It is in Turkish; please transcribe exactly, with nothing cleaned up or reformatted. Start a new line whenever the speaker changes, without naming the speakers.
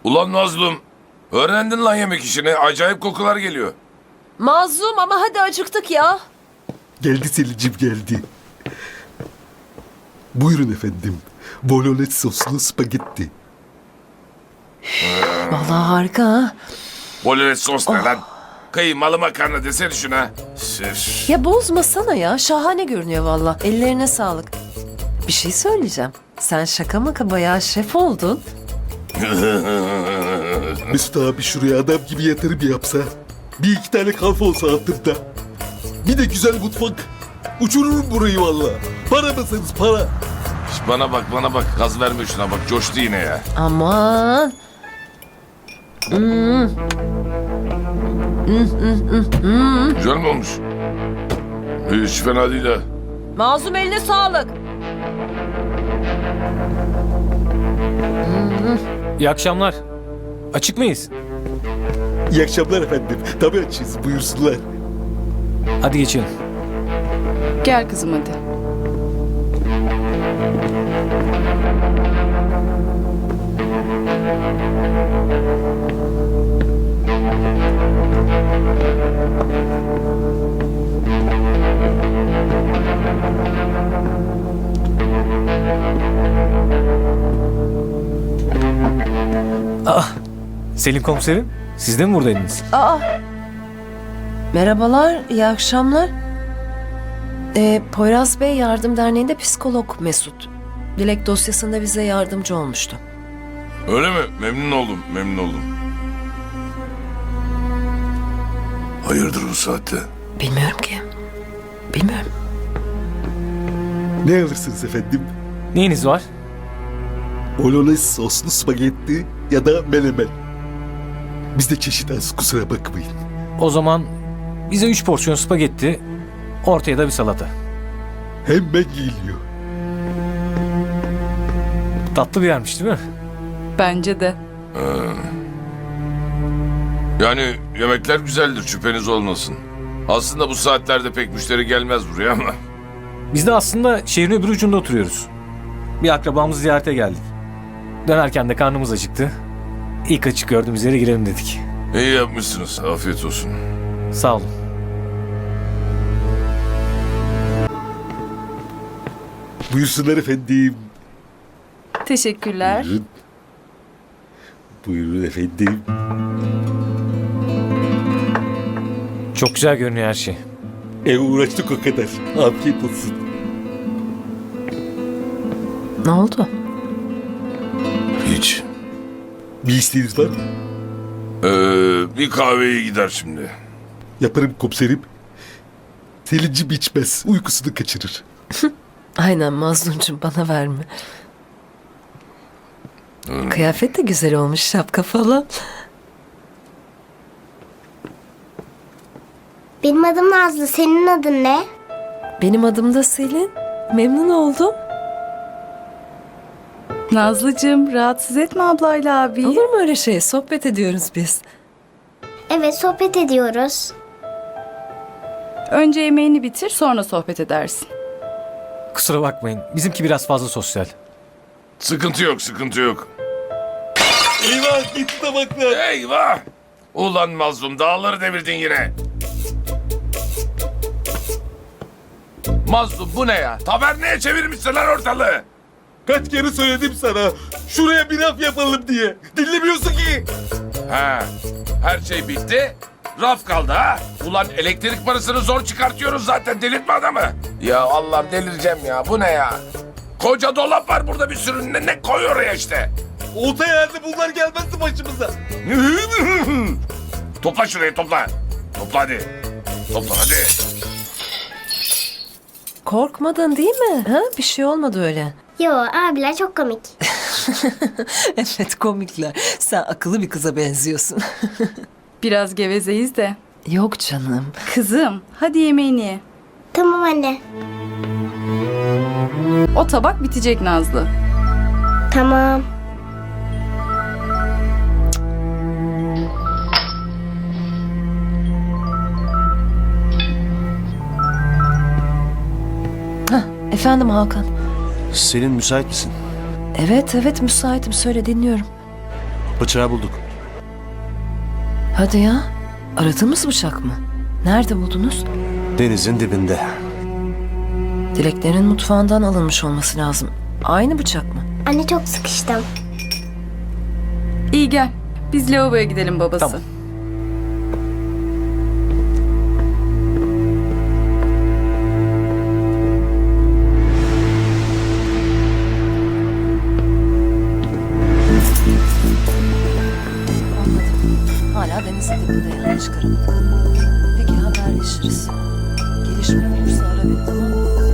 Ulan Nazlım. Öğrendin lan yemek işini. Acayip kokular geliyor.
Mazlum ama hadi acıktık ya.
Geldi Selin'cim geldi. Buyurun efendim. Bolognese soslu spagetti.
Vallahi harika ha.
Bolognese sos ne lan? Kıymalı makarna desene şuna. Üf.
Ya bozmasana ya. Şahane görünüyor valla. Ellerine sağlık. Bir şey söyleyeceğim. Sen şaka maka bayağı şef oldun.
Mesut abi şuraya adam gibi yatırım yapsa. Bir iki tane kalfa olsa altında. Bir de güzel mutfak. Uçururum burayı valla. Para mısınız para?
Şş, bana bak bana bak. Gaz verme şuna bak. Coştu yine ya.
Aman. Hmm.
Güzel mi olmuş? Hiç fena değil ha.
Mazlum eline sağlık.
İyi akşamlar. Açık mıyız?
İyi akşamlar efendim. Tabii açız buyursunlar.
Hadi geçelim.
Gel kızım hadi.
Selin komiserim, siz de mi buradaydınız?
Aa. Merhabalar, iyi akşamlar. Ee, Poyraz Bey Yardım Derneği'nde psikolog Mesut. Dilek dosyasında bize yardımcı olmuştu.
Öyle mi? Memnun oldum. Memnun oldum. Hayırdır bu saatte?
Bilmiyorum ki. Bilmiyorum.
Ne alırsınız efendim?
Neyiniz var?
Bolognese soslu spagetti ya da menemen. Bizde çeşit az kusura bakmayın.
O zaman bize üç porsiyon spagetti, ortaya da bir salata.
Hemen geliyor.
Tatlı bir yermiş değil mi?
Bence de.
Yani yemekler güzeldir şüpheniz olmasın. Aslında bu saatlerde pek müşteri gelmez buraya ama.
Biz de aslında şehrin öbür ucunda oturuyoruz. Bir akrabamızı ziyarete geldik. Dönerken de karnımız acıktı. İlk açık gördüğümüz yere girelim dedik.
İyi yapmışsınız. Afiyet olsun.
Sağ olun.
Buyursunlar efendim.
Teşekkürler.
Buyurun. Buyurun efendim.
Çok güzel görünüyor her şey.
E uğraştık o kadar. Afiyet olsun.
Ne oldu?
Hiç.
Bir isteğiniz var mı?
Ee, bir kahveye gider şimdi.
Yaparım komiserim. Selin'cim içmez. Uykusunu kaçırır.
Aynen Mazlumcum bana verme. Kıyafet de güzel olmuş, şapka falan.
Benim adım Nazlı. Senin adın ne?
Benim adım da Selin. Memnun oldum.
Nazlıcığım rahatsız etme ablayla abi.
Olur mu öyle şey? Sohbet ediyoruz biz.
Evet, sohbet ediyoruz.
Önce yemeğini bitir sonra sohbet edersin.
Kusura bakmayın, bizimki biraz fazla sosyal.
Sıkıntı yok, sıkıntı yok.
Eyvah gitti tabaklar.
Eyvah! Ulan mazlum dağları devirdin yine. Mazlum bu ne ya? Taverneye çevirmişsin lan ortalığı.
Kaç kere söyledim sana. Şuraya bir laf yapalım diye. Dinlemiyorsun ki.
Ha, her şey bitti. Raf kaldı ha. Ulan elektrik parasını zor çıkartıyoruz zaten. Delirtme adamı. Ya Allah'ım delireceğim ya. Bu ne ya? Koca dolap var burada bir sürü. Ne, ne koy oraya işte.
Olta yerde bunlar gelmezdi başımıza.
Topla şurayı topla. Topla hadi. Topla hadi.
Korkmadın değil mi? Ha? Bir şey olmadı öyle.
Yo, abiler çok komik.
Evet komikler. Sen akıllı bir kıza benziyorsun.
Biraz gevezeyiz de.
Yok canım.
Kızım hadi yemeğini ye.
Tamam anne.
O tabak bitecek Nazlı.
Tamam.
Efendim Hakan.
Selin müsait misin?
Evet evet müsaitim söyle dinliyorum.
Bıçağı bulduk.
Hadi ya. Aradığımız bıçak mı? Nerede buldunuz?
Denizin dibinde.
Dileklerin mutfağından alınmış olması lazım. Aynı bıçak mı?
Anne çok sıkıştım.
İyi gel. Biz lavaboya gidelim babası.
Tamam.
Anladım. Hala denizin dibinde yani çıkaramadık. Peki haberleşiriz. Gelişme olursa ara beni, tamam mı?